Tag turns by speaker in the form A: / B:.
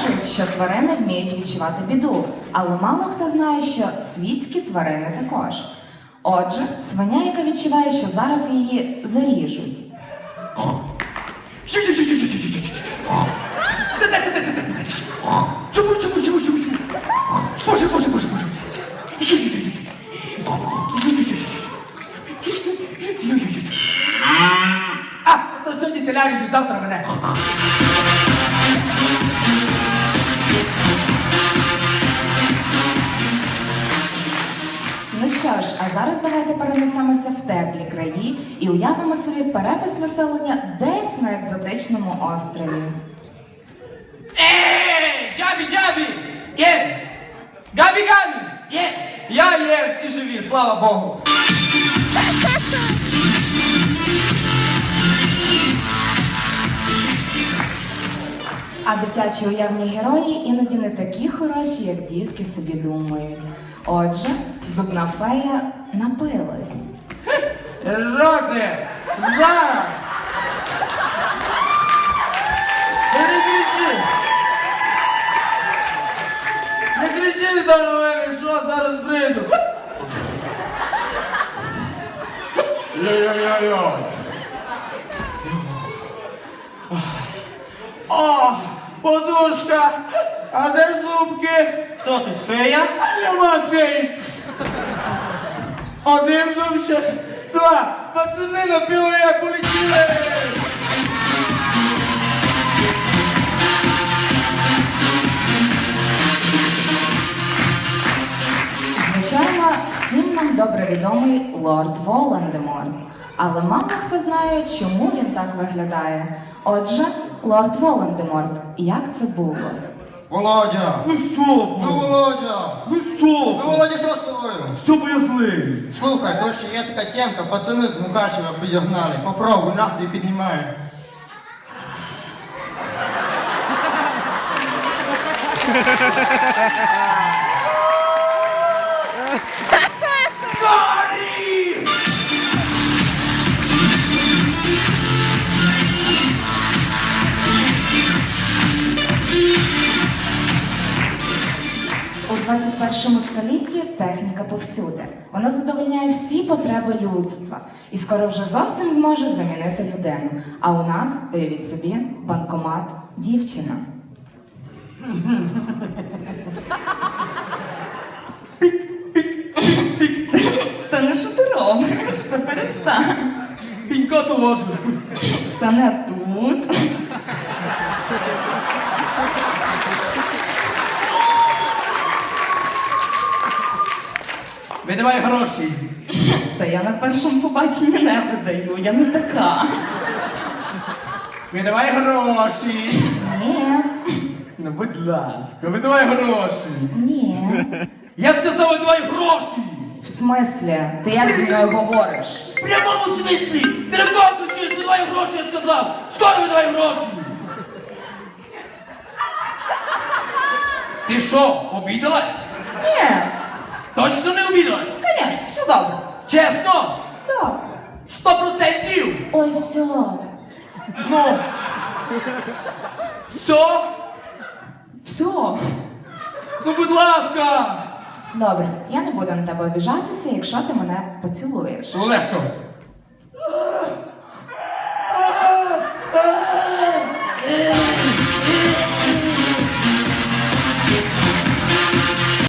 A: Кажуть, що тварини вміють відчувати біду, але мало хто знає, що світські тварини також. Отже, свиня, яка відчуває, що зараз її заріжуть.
B: Чому? Боже. То сьогодні ти ляжеш, завтра мене.
A: Ну що ж, а зараз давайте перенесемося в теплі краї і уявимо собі перепис населення десь на екзотичному острові.
C: Джабі! Є! Габі! Є! Я є, всі живі, слава Богу!
A: А дитячі уявні герої іноді не такі хороші, як дітки собі думають. Отже, зубна фея напилась.
B: Що ти? Зараз! Не кричи! Не кричи до мене, що зараз прийду! Йо-йо-йо-йо! О, подушка! А де зубки?
C: Хто тут, фея?
B: А нема феї! Один зубчик, два, пацани на пілоє полетіли!
A: Звичайно, всім нам добре відомий лорд Волан-де-Морт. Але мало хто знає, чому він так виглядає. Отже, лорд Волан-де-Морт, як це було?
D: Володя!
B: Ну що?
D: Ну, Володя!
B: Ну що?
D: Ну, Володя, що з тобою?
B: Що бо я злий?
D: Слухай, то ще є така темка, пацани з Мукачева підігнали. Попробуй, настрій піднімає.
A: У 21 столітті техніка повсюди. Вона задовольняє всі потреби людства і скоро вже зовсім зможе замінити людину. А у нас, уявіть собі, банкомат дівчина. Та не що ти робиш? Та перестань.
B: Пінькоту ложу.
A: Та не тут.
B: Видавай гроші.
A: Та я на першому побаченні не видаю, я не така.
B: Видавай гроші.
A: Ні,
B: Ну, будь ласка, видавай гроші.
A: ні.
B: Я сказав, видавай гроші.
A: В смислі? Ти як зі мною говориш?
C: В прямому смислі! Ти не вдома кричиш, видавай гроші, я сказав! Скоро видавай гроші!
B: Ти що, обідалась?
A: Ні,
B: Точно не обідалась?
A: звісно, все добре.
B: Чесно?
A: Так.
B: 100%?
A: Ой, все.
B: Ну. Все?
A: Все.
B: Ну, будь ласка.
A: Добре, я не буду на тебе обіжатися, якщо ти мене поцілуєш.
B: Легко.